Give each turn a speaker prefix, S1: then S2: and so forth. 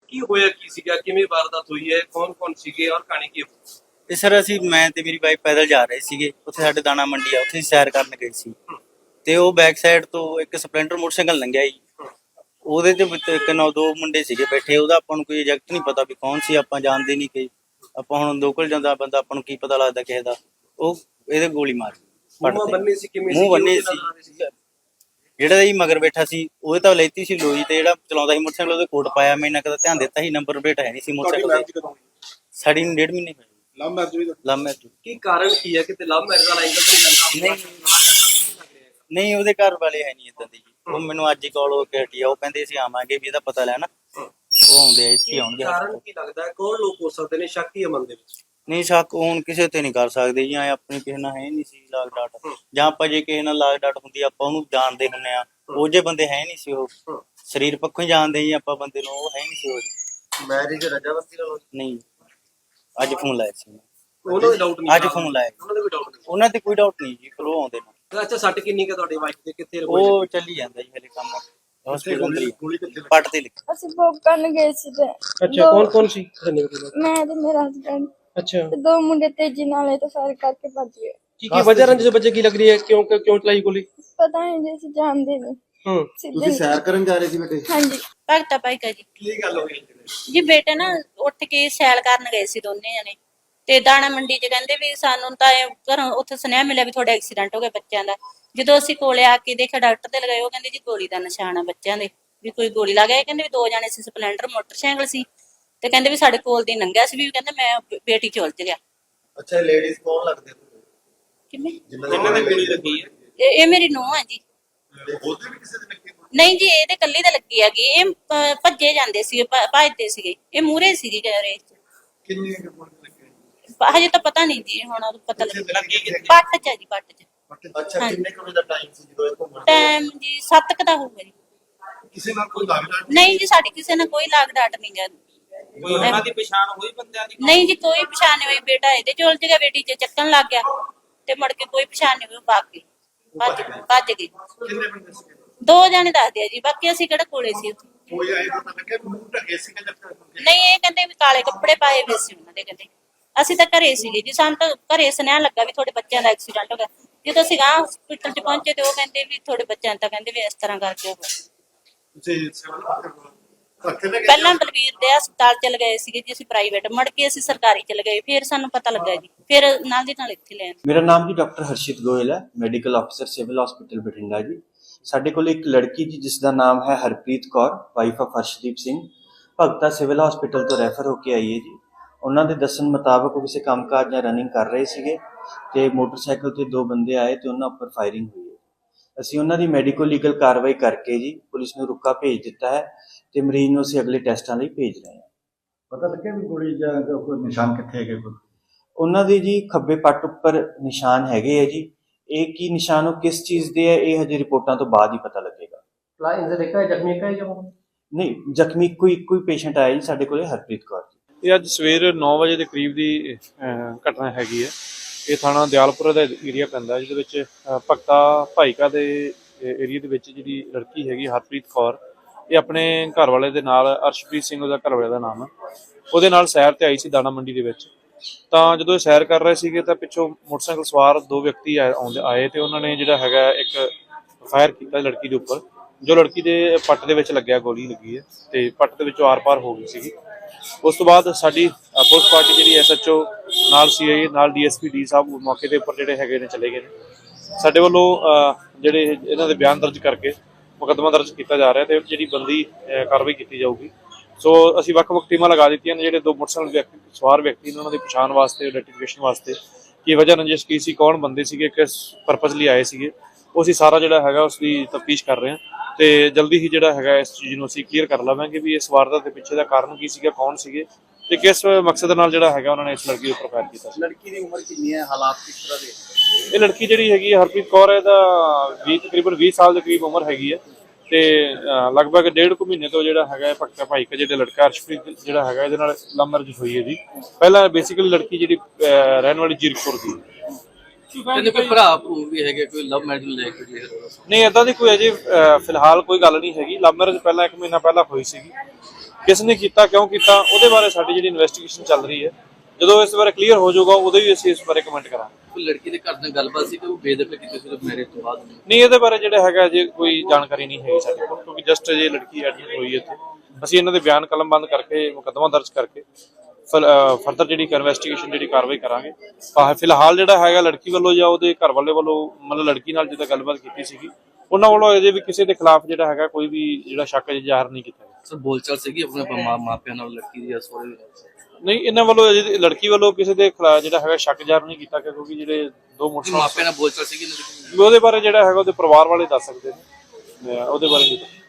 S1: ਕੀ ਹੋਇਆ ਕੀ ਸੀਗਾ, ਕਿਵੇਂ ਵਾਰਦਾਤ ਹੋਈ ਹੈ, ਕੌਣ ਸੀਗੇ ਔਰ ਕਹਾਣੀ ਕੀ ਹੋਈ?
S2: ਤੇ ਸਰ ਅਸੀਂ ਮੈਂ ਤੇ ਮੇਰੀ ਵਾਈਫ ਪੈਦਲ ਜਾ ਰਹੇ ਸੀਗੇ। ਉੱਥੇ ਸਾਡੇ ਦਾਣਾ ਮੰਡੀ ਆ, ਉੱਥੇ ਸੈਰ ਕਰਨ ਗਏ ਸੀ। ਤੇ ਉਹ ਬੈਕ ਸਾਈਡ ਤੋਂ ਇੱਕ ਸਪਲੈਂਡਰ ਮੋਟਰਸਾਈਕਲ ਲੰਘਿਆ ਜੀ। ਉਹਦੇ ਤੇ ਇੱਕ ਨਾ ਦੋ ਮੁੰਡੇ ਸੀਗੇ ਬੈਠੇ। ਉਹਦਾ ਆਪਾਂ ਨੂੰ ਕੋਈ ਐਗਜ਼ੈਕਟ ਨਹੀਂ ਪਤਾ ਵੀ ਕੌਣ ਸੀ, ਆਪਾਂ ਜਾਣਦੇ ਨਹੀਂ ਕਿ ਆਪਾਂ ਹੁਣ ਲੋਕਲ ਜਾਂਦਾ ਬੰਦਾ, ਆਪਾਂ ਨੂੰ ਕੀ ਪਤਾ ਲੱਗਦਾ ਕਿਸੇ ਦਾ। ਉਹ ਇਹਦੇ ਗੋਲੀ ਮਾਰ
S1: ਮੂੰਹ ਬੰਨੇ ਸੀ, ਕਿਵੇਂ
S2: ਮੂੰਹ ਬੰਨੇ ਸੀ। ਜਿਹੜਾ ਜੀ ਮਗਰ ਬੈਠਾ ਸੀ ਉਹਦੇ ਤਾਂ ਲੈਤੀ ਸੀ ਲੋਈ, ਤੇ ਜਿਹੜਾ ਚਲਾਉਂਦਾ ਸੀ ਮੋਟਰਸਾਈਕਲ ਉਹਦੇ ਕੋਟ ਪਾਇਆ। ਮੈਂ ਇਹਨਾਂ ਕਦਾ ਧਿਆਨ ਦਿੱਤਾ ਸੀ, ਨੰਬਰ ਪਲੇਟ ਹੈ ਨਹੀਂ ਸੀ ਮੋਟਰਸਾਈਕਲ ਤੇ। ਸਾਡੀ ਨੂੰ 1.5 ਮਹੀਨੇ ਹੋਏ। ਲਵ ਮੈਰਿਜ
S1: ਕੀ ਕਾਰਨ ਕੀ ਹੈ? ਕਿਤੇ ਲਵ ਮੈਰਿਜ ਵਾਲਾ ਐਂਗਲ ਤਾਂ ਨਹੀਂ ਜਾਂਦਾ?
S2: ਨਹੀਂ, ਉਹਦੇ ਘਰ ਵਾਲੇ ਹੈ ਨਹੀਂ ਇਦਾਂ ਦੀ ਜੀ। ਉਹ ਮੈਨੂੰ ਅੱਜ ਹੀ ਕਾਲ ਹੋ ਕੇ ਹਟੀ ਆ। ਉਹ ਕਹਿੰਦੇ ਅਸੀਂ ਆਵਾਂਗੇ ਵੀ ਇਹਦਾ ਪਤਾ ਲੈਣਾ। ਉਹ ਆਉਂਦੇ ਆ, ਇੱਥੇ ਆਉਣਗੇ।
S1: ਕਾਰਨ ਕੀ ਲੱਗਦਾ ਹੈ, ਕੌਣ ਲੋਕ ਹੋ ਸਕਦੇ ਨੇ? ਸ਼ੱਕ ਹੀ ਮਨ ਦੇ ਵਿੱਚ
S2: ਨਹੀਂ, ਸ਼ੱਕ ਹੁਣ ਕਿਸੇ ਤੇ ਨਹੀਂ ਕਰ ਸਕਦੇ ਜੀ। ਆਪਣੀ ਕਿਸੇ ਨਾਲ ਹੈ ਨਹੀਂ ਸੀ ਲਾਗ ਡਾਟ, ਜਾਂ ਆਪਾਂ ਜੇ ਕਿਸੇ ਨਾਲ ਲਾਗ ਡਾਟ ਹੁੰਦੀ ਆਪਾਂ ਉਹਨੂੰ ਜਾਣਦੇ ਹੁੰਦੇ ਆ। ਉਹ ਜੇ ਬੰਦੇ ਹੈ ਨਹੀਂ ਸੀ, ਉਹ ਸਰੀਰ ਪੱਖੋਂ ਹੀ ਜਾਣਦੇ ਜੀ ਆਪਾਂ ਬੰਦੇ ਨੂੰ। ਉਹ ਹੈ ਨਹੀਂ ਸੀ ਉਹ
S1: ਮੈਰਿਜ ਰਜਾਮੰਦੀ ਨਾਲ
S2: ਨਹੀਂ। ਅੱਜ ਫੋਨ ਲਾਇਆ ਸੀ
S1: ਉਹਨਾਂ ਦੇ ਡਾਊਟ ਨਹੀਂ?
S2: ਅੱਜ ਫੋਨ ਲਾਇਆ
S1: ਉਹਨਾਂ ਦੇ ਵੀ ਡਾਊਟ ਨਹੀਂ?
S2: ਉਹਨਾਂ ਤੇ ਕੋਈ ਡਾਊਟ ਨਹੀਂ ਜੀ, ਪਰ ਉਹ ਆਉਂਦੇ ਨੇ।
S1: ਅੱਛਾ, ਸੱਟ ਕਿੰਨੀ ਕੁ ਤੁਹਾਡੇ ਵਾਈਫ ਦੇ? ਕਿੱਥੇ
S2: ਉਹ ਚੱਲੀ ਜਾਂਦਾ ਜੀ ਹਲੇ ਕੰਮ। ਹਸਪੀਟਲ ਪੱਟ ਤੇ ਲਿਖ।
S3: ਅਸੀਂ ਵੋਕ ਕਰਨ ਗਏ ਸੀ ਤੇ
S1: ਅੱਛਾ, ਕੌਣ ਸੀ?
S3: ਮੈਂ ਤੇ ਮੇਰਾ ਹਸਬੈਂਡ
S1: ਅੱਛਾ,
S3: ਤੇ ਦੋ ਮੁੰਡੇ ਤੇਜ਼ੀ ਨਾਲ ਇਹ ਤਾਂ ਫਾਇਰ ਕਰਕੇ ਭੱਜ ਗਏ।
S1: ਕੀ ਵਜ੍ਹਾ ਰੰਜ ਦੇ ਬੱਚੇ ਕੀ ਲੱਗ ਰਹੀ ਹੈ? ਕਿਉਂ ਚਲਾਈ ਗੋਲੀ?
S3: ਪਤਾ ਨਹੀਂ ਜੀ, ਅਸੀਂ ਜਾਣਦੇ ਨਹੀਂ।
S4: ਤੁਸੀਂ ਸੈਰ ਕਰਨ ਜਾ ਰਹੇ ਸੀ ਬੇਟੇ?
S3: ਹਾਂਜੀ।
S5: ਭਗਤਾ ਭਾਈ ਕਾ ਜੀ।
S1: ਕੀ ਗੱਲ ਹੋ ਗਈ
S5: ਜੀ ਬੇਟੇ ਨਾ ਉੱਠ ਕੇ ਸੈਲ ਕਰਨ ਗਏ ਸੀ ਦੋਨੇ ਜਣੇ, ਤੇ ਦਾਣਾ ਮੰਡੀ 'ਚ ਕਹਿੰਦੇ ਵੀ ਸਾਨੂੰ ਤਾਂ ਘਰੋਂ ਉੱਥੇ ਸੁਨੇਹਾ ਮਿਲਿਆ ਵੀ ਤੁਹਾਡਾ ਐਕਸੀਡੈਂਟ ਹੋ ਗਿਆ ਬੱਚਿਆਂ ਦਾ। ਜਦੋਂ ਅਸੀਂ ਕੋਲੇ ਆ ਕੇ ਦੇਖਿਆ, ਡਾਕਟਰ ਤੇ ਲਗਾਏ, ਉਹ ਕਹਿੰਦੇ ਜੀ ਗੋਲੀ ਦਾ ਨਿਸ਼ਾਨ ਆ ਬੱਚਿਆਂ ਦੇ, ਵੀ ਕੋਈ ਗੋਲੀ ਲੱਗ ਗਿਆ। ਕਹਿੰਦੇ ਵੀ ਦੋ ਜਣੇ ਸੀ, ਸਪਲੈਂਡਰ ਮੋਟਰਸਾਈਕਲ ਸੀ, ਤੇ ਕਹਿੰਦੇ ਵੀ ਸਾਡੇ ਕੋਲ ਦੀ ਲੰਘਿਆ ਸੀ, ਵੀ ਕਹਿੰਦੇ ਮੈਂ ਬੇਟੀ ਚ ਉਲਝ ਗਿਆ।
S4: ਅੱਛਾ, ਲੇਡੀਜ਼ ਕੌਣ ਲੱਗਦੇ?
S5: ਕਿਵੇਂ?
S1: ਜਿਨ੍ਹਾਂ ਦੇ ਗੋਲੀ ਲੱਗੀ ਹੈ?
S5: ਇਹ ਮੇਰੀ ਨੂੰਹ ਹੈ ਜੀ।
S4: ਉਹਦੇ ਵੀ ਕਿਸੇ ਦੇ ਲੱਗੇ?
S5: ਨਹੀਂ ਜੀ, ਇਹਦੇ ਕੱਲੀ ਦਾ ਲੱਗੀ ਹੈਗੀ। ਇਹ ਭੱਜੇ ਜਾਂਦੇ ਸੀਗੇ, ਭੱਜਦੇ ਸੀਗੇ। ਇਹ ਮੂਹਰੇ ਸੀਗੀ ਰੇਸ ਚ।
S4: ਕਿੰਨੇ ਕੁ ਗੋਲੀਆਂ ਲੱਗੀਆਂ?
S5: ਹਜੇ ਤਾਂ ਪਤਾ ਨਹੀਂ ਜੀ, ਹੁਣ ਪਤਾ ਲੱਗਾ।
S1: ਲੱਗੀ
S5: ਪੱਟ ਚ ਹੈ ਜੀ, ਪੱਟ ਚ।
S4: ਅੱਛਾ, ਕਿੰਨੇ ਕੁ ਵਜੇ ਦਾ ਟਾਈਮ ਸੀ ਜਦੋਂ ਇਹ ਘੁੰਮਣ?
S5: ਟਾਈਮ ਜੀ 7 ਕੁ ਦਾ ਹੋਊਗਾ ਜੀ।
S4: ਕਿਸੇ ਨਾਲ ਕੋਈ ਲੱਗਦਾ?
S5: ਨਹੀਂ ਜੀ, ਸਾਡੀ ਕਿਸੇ ਨਾਲ ਕੋਈ ਲਾਗ ਡਾਟ ਨਹੀਂ ਗਾ।
S1: ਕੋਈ ਉਹਨਾਂ ਦੀ ਪਛਾਣ ਹੋਈ ਬੰਦਿਆਂ ਦੀ?
S5: ਨਹੀਂ ਜੀ, ਕੋਈ ਪਛਾਣ ਨਹੀਂ ਹੋਈ। ਬੇਟਾ ਇਹਦੇ ਚ ਉਲਝ ਗਿਆ, ਬੇਟੀ ਚ ਚੱਕਣ ਲੱਗ ਗਿਆ, ਤੇ ਮੁੜ ਕੇ ਕੋਈ ਪਛਾਣ ਨਹੀਂ ਹੋਈ। ਉਹ ਭੱਜ ਗਏ।
S4: ਕਿੰਨੇ ਬੰਦੇ ਸੀ?
S5: ਦੋ ਜਣੇ ਦੱਸਦੇ ਆ ਜੀ, ਬਾਕੀ ਅਸੀਂ ਕਿਹੜਾ ਕੋਲੇ ਸੀ ਉੱਥੇ।
S4: ਕੋਈ ਆਏ ਪਤਾ ਲੱਗਿਆ ਮੂੰਹ ਢਕੇ ਸੀ ਕਿ ਜੱਟਾ?
S5: ਨਹੀਂ, ਇਹ ਕਹਿੰਦੇ ਵੀ ਕਾਲੇ ਕੱਪੜੇ ਪਾਏ ਹੋਏ ਸੀ ਉਹਨਾਂ ਦੇ। ਕਹਿੰਦੇ ਅਸੀਂ ਤਾਂ ਘਰੇ ਸੀਗੇ ਜੀ, ਸਾਨੂੰ ਤਾਂ ਘਰੇ ਸੁਨੇਹਾ ਲੱਗਾ ਵੀ ਤੁਹਾਡੇ ਬੱਚਿਆਂ ਦਾ ਐਕਸੀਡੈਂਟ ਹੋ ਗਿਆ। ਜਦੋਂ ਅਸੀਂ ਗਾਂ ਹਸਪੀਟਲ ਚ ਪਹੁੰਚੇ ਤੇ ਉਹ ਕਹਿੰਦੇ ਵੀ ਤੁਹਾਡੇ ਬੱਚਿਆਂ ਤਾਂ ਕਹਿੰਦੇ ਵੀ ਇਸ ਤਰ੍ਹਾਂ ਕਰਕੇ ਹੋ ਗਿਆ।
S4: ਤੁਸੀਂ ਸਿਵਲ ਹਸਪਤਾਲ ਗਏ?
S5: ਪਹਿਲਾਂ ਬਲਵੀਰ ਦੇ ਹਸਪਤਾਲ ਚਲ ਗਏ ਸੀਗੇ ਜੀ ਅਸੀਂ, ਪ੍ਰਾਈਵੇਟ। ਮੁੜ ਕੇ ਅਸੀਂ ਸਰਕਾਰੀ ਚਲੇ ਗਏ, ਫਿਰ ਸਾਨੂੰ ਪਤਾ ਲੱਗਾ ਜੀ, ਫਿਰ ਨਾਲ ਦੀ ਨਾਲ ਇੱਥੇ ਲੈ ਆਏ।
S6: ਮੇਰਾ ਨਾਮ ਜੀ ਡਾਕਟਰ ਹਰਸ਼ਿਤ ਗੋਇਲ ਹੈ, ਮੈਡੀਕਲ ਅਫਸਰ ਸਿਵਲ ਹਸਪੀਟਲ ਬਠਿੰਡਾ ਜੀ। ਸਾਡੇ ਕੋਲ ਇੱਕ ਲੜਕੀ ਜੀ ਜਿਸ ਦਾ ਨਾਮ ਹੈ Harpreet Kaur, wife of Harshdeep Singh, Bhagta civil hospital ਤੋਂ ਰੈਫਰ ਹੋ ਕੇ ਆਈ ਹੈ ਜੀ। ਉਹਨਾਂ ਦੇ ਦੱਸਣ ਮੁਤਾਬਕ ਉਹ ਕਿਸੇ ਕੰਮਕਾਜ ਜਾਂ ਰਨਿੰਗ ਕਰ ਰਹੇ ਸੀਗੇ, ਤੇ ਮੋਟਰਸਾਈਕਲ ਤੇ ਦੋ ਬੰਦੇ ਆਏ ਤੇ ਉਹਨਾਂ ਉੱਪਰ ਫਾਇਰਿੰਗ ਹੋਈ ਹੈ। ਅਸੀਂ ਉਹਨਾਂ ਦੀ ਮੈਡੀਕੋ ਲੀਗਲ ਕਾਰਵਾਈ ਕਰਕੇ ਜੀ ਪੁਲਿਸ ਨੂੰ ਰੁਕਾ ਭੇਜ ਦਿੱਤਾ ਹੈ, ਤੇ ਮਰੀਜ਼ ਨੂੰ ਅਸੀਂ ਅਗਲੇ ਟੈਸਟਾਂ ਲਈ ਭੇਜ ਰਹੇ ਹਾਂ।
S4: ਪਤਾ ਲੱਗਿਆ ਵੀ ਗੋਲੀ ਜਾਂ ਕੋਈ ਨਿਸ਼ਾਨ ਕਿੱਥੇ ਹੈਗੇ?
S6: ਉਹਨਾਂ ਦੇ ਜੀ ਖੱਬੇ ਪੱਟ ਉੱਪਰ ਨਿਸ਼ਾਨ ਹੈਗੇ ਹੈ ਜੀ। ਇਹ ਕੀ ਨਿਸ਼ਾਨ, ਉਹ ਕਿਸ ਚੀਜ਼ ਦੇ ਹੈ, ਇਹ ਹਜੇ ਰਿਪੋਰਟਾਂ ਤੋਂ ਬਾਅਦ ਹੀ ਪਤਾ ਲੱਗੇਗਾ। ਨਹੀਂ, ਜ਼ਖਮੀ ਕੋਈ ਪੇਸ਼ੈਂਟ ਆਇਆ ਜੀ ਸਾਡੇ ਕੋਲੇ, ਹਰਪ੍ਰੀਤ ਕੌਰ ਜੀ।
S7: ਇਹ ਅੱਜ ਸਵੇਰ 9 ਵਜੇ ਦੇ ਕਰੀਬ ਦੀ ਘਟਨਾ ਹੈਗੀ ਹੈ। ਇਹ ਥਾਣਾ ਦਿਆਲਪੁਰ ਦਾ ਏਰੀਆ ਪੈਂਦਾ, ਜਿਹਦੇ ਵਿੱਚ ਭਗਤਾ ਭਾਈਕਾ ਦੇ ਏਰੀਆ ਦੇ ਵਿੱਚ ਜਿਹੜੀ ਲੜਕੀ ਹੈਗੀ ਹਰਪ੍ਰੀਤ ਕੌਰ, ਇਹ ਆਪਣੇ ਘਰ ਵਾਲੇ ਦੇ ਨਾਲ, ਅਰਸ਼ਪ੍ਰੀਤ ਸਿੰਘ ਉਹਦਾ ਘਰ ਵਾਲੇ ਦਾ ਨਾਮ ਹੈ, ਉਹਦੇ ਨਾਲ ਸੈਰ ਤੇ ਆਈ ਸੀ ਦਾਣਾ ਮੰਡੀ ਦੇ ਵਿੱਚ। ਤਾਂ ਜਦੋਂ ਇਹ ਸੈਰ ਕਰ ਰਹੇ ਸੀਗੇ ਤਾਂ ਪਿੱਛੋਂ ਮੋਟਰਸਾਈਕਲ ਸਵਾਰ ਦੋ ਵਿਅਕਤੀ ਆਏ ਤੇ ਉਹਨਾਂ ਨੇ ਜਿਹੜਾ ਹੈਗਾ ਇੱਕ ਫਾਇਰ ਕੀਤਾ ਲੜਕੀ ਦੇ ਉੱਪਰ, ਜੋ ਲੜਕੀ ਦੇ ਪੱਟ ਦੇ ਵਿੱਚ ਲੱਗਿਆ, ਗੋਲੀ ਲੱਗੀ ਹੈ ਤੇ ਪੱਟ ਦੇ ਵਿੱਚੋਂ ਆਰ-ਪਾਰ ਹੋ ਗਈ ਸੀਗੀ। ਉਸ ਤੋਂ ਬਾਅਦ ਸਾਡੀ ਪੁਲਿਸ ਪਾਰਟੀ ਜਿਹੜੀ ਐਸਐਚਓ ਨਾਲ ਸੀਆਈ ਨਾਲ ਡੀਐਸਪੀ ਡੀ ਸਾਹਿਬ ਮੌਕੇ ਦੇ ਉੱਪਰ ਜਿਹੜੇ ਹੈਗੇ ਨੇ ਚਲੇ ਗਏ ਨੇ। ਸਾਡੇ ਵੱਲੋਂ ਜਿਹੜੇ ਇਹਨਾਂ ਦੇ ਬਿਆਨ ਦਰਜ ਕਰਕੇ ਮੁਕੱਦਮਾ ਦਰਜ ਕੀਤਾ ਜਾ ਰਿਹਾ ਤੇ ਜਿਹੜੀ ਬੰਦੀ ਕਾਰਵਾਈ ਕੀਤੀ ਜਾਊਗੀ। ਸੋ ਅਸੀਂ ਵੱਖ-ਵੱਖ ਟੀਮਾਂ ਲਗਾ ਦਿੱਤੀਆਂ ਨੇ। ਜਿਹੜੇ ਦੋ ਮੋਟਰਸਾਈਕਲ ਸਵਾਰ ਵਿਅਕਤੀ ਨੇ ਉਹਨਾਂ ਦੀ ਪਛਾਣ ਵਾਸਤੇ, ਆਈਡੈਂਟੀਫਿਕੇਸ਼ਨ ਵਾਸਤੇ, ਕੀ ਵਜ੍ਹਾ ਰੰਜਿਸ਼ ਕੀ ਸੀ, ਕੌਣ ਬੰਦੇ ਸੀਗੇ, ਕਿਸ ਪਰਪਸ ਲਈ ਆਏ ਸੀਗੇ, ਉਹ ਅਸੀਂ ਸਾਰਾ ਜਿਹੜਾ ਹੈਗਾ ਉਸ ਦੀ ਤਫਤੀਸ਼ ਕਰ ਰਹੇ ਹਾਂ। ਤੇ ਜਲਦੀ ਹੀ ਜਿਹੜਾ ਹੈਗਾ ਇਸ ਚੀਜ਼ ਨੂੰ ਅਸੀਂ ਕਲੀਅਰ ਕਰ ਲਵਾਂਗੇ ਵੀ ਇਸ ਵਾਰਦਾਤ ਦੇ ਪਿੱਛੇ ਦਾ ਕਾਰਨ ਕੀ ਸੀਗਾ, ਕੌਣ ਸੀਗੇ ਤੇ ਕਿਸ ਮਕਸਦ ਨਾਲ ਜਿਹੜਾ ਹੈਗਾ ਉਹਨਾਂ ਨੇ ਇਸ ਲੜਕੀ ਉੱਪਰ ਫਾਇਰ ਕੀਤਾ ਸੀ।
S4: ਲੜਕੀ ਦੀ ਉਮਰ ਕਿੰਨੀ ਹੈ, ਹਾਲਾਤ ਕਿਸ ਤਰ੍ਹਾਂ ਦੇ?
S7: ਇਹ ਲੜਕੀ ਜਿਹੜੀ ਹੈਗੀ ਹਰਪ੍ਰੀਤ ਕੌਰ, ਇਹਦਾ ਤਕਰੀਬਨ 20 ਸਾਲ ਦੇ ਕਰੀਬ ਉਮਰ ਹੈਗੀ ਹੈ, ਤੇ ਲਗਭਗ 1.5 ਮਹੀਨੇ ਤੋਂ ਜਿਹੜਾ ਹੈਗਾ ਭਗਤਾ ਭਾਈਕਾ ਜਿਹੜੇ ਲੜਕਾ ਅਰਸ਼ਪ੍ਰੀਤ ਜਿਹੜਾ ਹੈਗਾ ਇਹਦੇ ਨਾਲ ਲਵ ਮੈਰਿਜ ਹੋਈ ਹੈ ਜੀ। ਪਹਿਲਾਂ ਬੇਸਿਕਲੀ ਲੜਕੀ ਜਿਹੜੀ ਰਹਿਣ ਵਾਲੀ ਜੀਰਕਪੁਰ ਦੀ।
S8: ਕਹਿੰਦੇ ਕੋਈ ਭਰਾ ਵੀ ਹੈਗੇ, ਕੋਈ ਲਵ ਮੈਰਿਜ ਲੈ ਕੇ?
S7: ਨਹੀਂ, ਏਦਾਂ ਦੀ ਕੋਈ ਅਜੇ ਫਿਲਹਾਲ ਕੋਈ ਗੱਲ ਨਹੀਂ ਹੈਗੀ। ਲਵ ਮੈਰਿਜ ਪਹਿਲਾਂ 1 ਮਹੀਨਾ ਪਹਿਲਾਂ ਹੋਈ ਸੀਗੀ, ਕਿਸ ਨੇ ਕੀਤਾ, ਕਿਉਂ ਕੀਤਾ, ਉਹਦੇ ਬਾਰੇ ਸਾਡੀ ਜਿਹੜੀ ਇਨਵੈਸਟੀਗੇਸ਼ਨ ਚੱਲ ਰਹੀ ਹੈ। ਜਦੋਂ ਇਸ ਬਾਰੇ ਕਲੀਅਰ ਹੋ ਜਾਊਗਾ ਉਦੋਂ ਵੀ ਅਸੀਂ ਇਸ ਬਾਰੇ ਕਮੈਂਟ ਕਰਾਂਗੇ।
S8: ਕੋਈ ਲੜਕੀ ਦੇ ਘਰ ਨਾਲ ਗੱਲਬਾਤ ਸੀ ਕਿ ਉਹ ਬੇਦਖਲ ਕੀਤੀ ਸੀ ਮੈਰਿਜ ਤੋਂ ਬਾਅਦ?
S7: ਨਹੀਂ, ਇਹਦੇ ਬਾਰੇ ਜਿਹੜਾ ਹੈਗਾ ਅਜੇ ਕੋਈ ਜਾਣਕਾਰੀ ਨਹੀਂ ਹੈਗੀ ਸਾਡੇ ਕੋਲ, ਕਿਉਂਕਿ ਜਸਟ ਅਜੇ ਲੜਕੀ ਐਡਮਿਟ ਹੋਈ ਹੈ ਇੱਥੇ। ਅਸੀਂ ਇਹਨਾਂ ਦੇ ਬਿਆਨ ਕਲਮਬੰਦ ਕਰਕੇ ਮੁਕੱਦਮਾ ਦਰਜ ਕਰਕੇ ਫਰਦਰ ਜਿਹੜੀ ਇਨਵੈਸਟੀਗੇਸ਼ਨ ਜਿਹੜੀ ਕਾਰਵਾਈ ਕਰਾਂਗੇ। ਫਿਲਹਾਲ ਜਿਹੜਾ ਹੈਗਾ ਲੜਕੀ ਵੱਲੋਂ ਜਾਂ ਉਹਦੇ ਘਰ ਵਾਲੇ ਵੱਲੋਂ ਮਤਲਬ ਲੜਕੀ ਨਾਲ ਜਿੱਦਾਂ ਗੱਲਬਾਤ ਕੀਤੀ ਸੀਗੀ, ਉਹਨਾਂ ਵੱਲੋਂ ਅਜੇ ਵੀ ਕਿਸੇ ਦੇ ਖਿਲਾਫ ਜਿਹੜਾ ਹੈਗਾ ਕੋਈ ਵੀ ਜਿਹੜਾ ਸ਼ੱਕ ਅਜੇ ਜ਼ਾਹਰ ਨਹੀਂ ਕੀਤਾ ਗਿਆ।
S8: ਸਰ ਬੋਲਚਾਲ ਸੀਗੀ ਆਪਣੇ ਮਾਪਿਆਂ ਨਾਲ ਲੜਕੀ ਦੀ ਸੋਰੇ?
S7: ਨਹੀਂ, ਇਹਨਾਂ ਵੱਲੋਂ ਅਜੇ ਲੜਕੀ ਵੱਲੋਂ ਕਿਸੇ ਦੇ ਖਿਲਾਫ ਜਿਹੜਾ ਹੈਗਾ ਸ਼ੱਕ ਜ਼ਾਹਰ ਨਹੀਂ ਕੀਤਾ ਗਿਆ, ਕਿਉਂਕਿ ਜਿਹੜੇ ਦੋ ਮੋਟਰਸਾਈਕਲ
S8: ਮਾਪਿਆਂ ਨਾਲ ਬੋਲਚਾਲ ਸੀਗੀ
S7: ਉਹਦੇ ਬਾਰੇ ਜਿਹੜਾ ਹੈਗਾ ਉਹਦੇ ਪਰਿਵਾਰ ਵਾਲੇ ਦੱਸ ਸਕਦੇ ਨੇ, ਉਹਦੇ ਬਾਰੇ ਨਹੀਂ।